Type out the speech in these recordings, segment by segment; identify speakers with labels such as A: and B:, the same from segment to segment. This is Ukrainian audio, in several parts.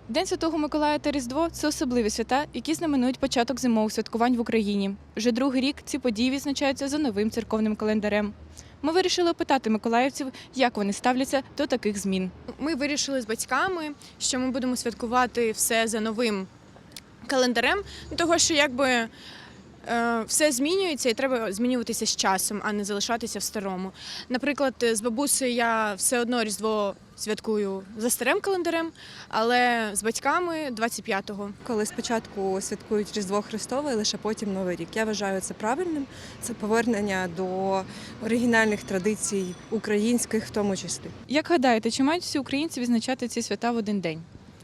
A: День Святого Миколая та Різдво – це особливі свята, які знаменують початок зимових святкувань в Україні. Вже другий рік ці події відзначаються за новим церковним календарем. Ми вирішили опитати миколаївців, як вони ставляться до таких змін.
B: Ми вирішили з батьками, що ми будемо святкувати все за новим календарем, того що все змінюється і треба змінюватися з часом, а не залишатися в старому. Наприклад, з бабусею я все одно Різдво святкую за старим календарем, але з батьками 25-го.
C: Коли спочатку святкують Різдво Христове, лише потім Новий рік. Я вважаю це правильним. Це повернення до оригінальних традицій, українських в тому числі.
A: Як гадаєте, чи мають всі українці відзначати ці свята в один день?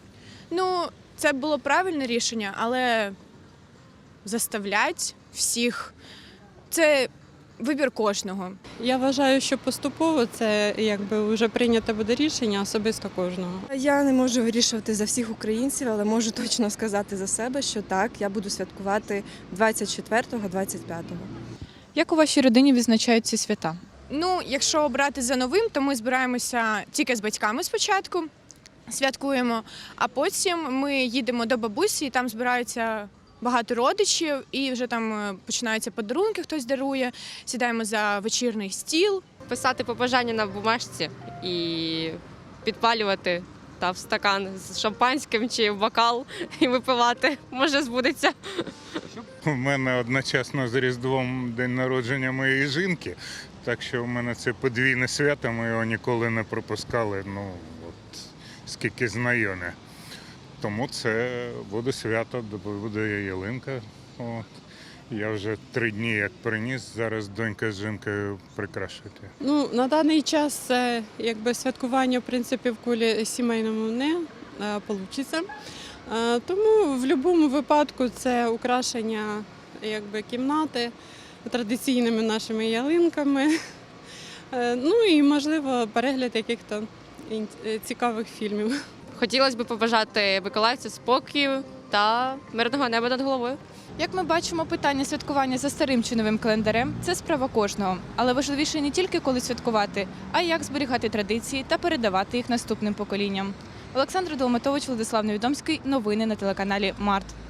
B: Це було правильне рішення, але заставлять всіх – це вибір кожного.
D: Я вважаю, що поступово це вже прийнято буде рішення особисто кожного.
C: Я не можу вирішувати за всіх українців, але можу точно сказати за себе, що так, я буду святкувати 24-го, 25-го.
A: Як у вашій родині відзначають ці свята?
B: Якщо обрати за новим, то ми збираємося тільки з батьками спочатку, святкуємо, а потім ми їдемо до бабусі, і там збираються багато родичів, і вже там починаються подарунки, хтось дарує, сідаємо за вечірній стіл.
E: Писати побажання на бумажці і підпалювати в стакан з шампанським чи в бокал і випивати. Може, збудеться.
F: У мене одночасно з Різдвом день народження моєї жінки, так що у мене це подвійне свято, ми його ніколи не пропускали, скільки знайомі. Тому це буде свято, буде ялинка. Я вже 3 дні як приніс, зараз донька з жінкою прикрашити.
D: На даний час це святкування в принципі в колі сімейному не вийде. Тому в будь-якому випадку це украшення кімнати традиційними нашими ялинками. І можливо перегляд якихось цікавих фільмів.
E: Хотілося б побажати миколаївцю спокою та мирного неба над головою.
A: Як ми бачимо, питання святкування за старим чи новим календарем – це справа кожного. Але важливіше не тільки коли святкувати, а й як зберігати традиції та передавати їх наступним поколінням. Олександр Долматович, Владислав Невідомський. Новини на телеканалі Март.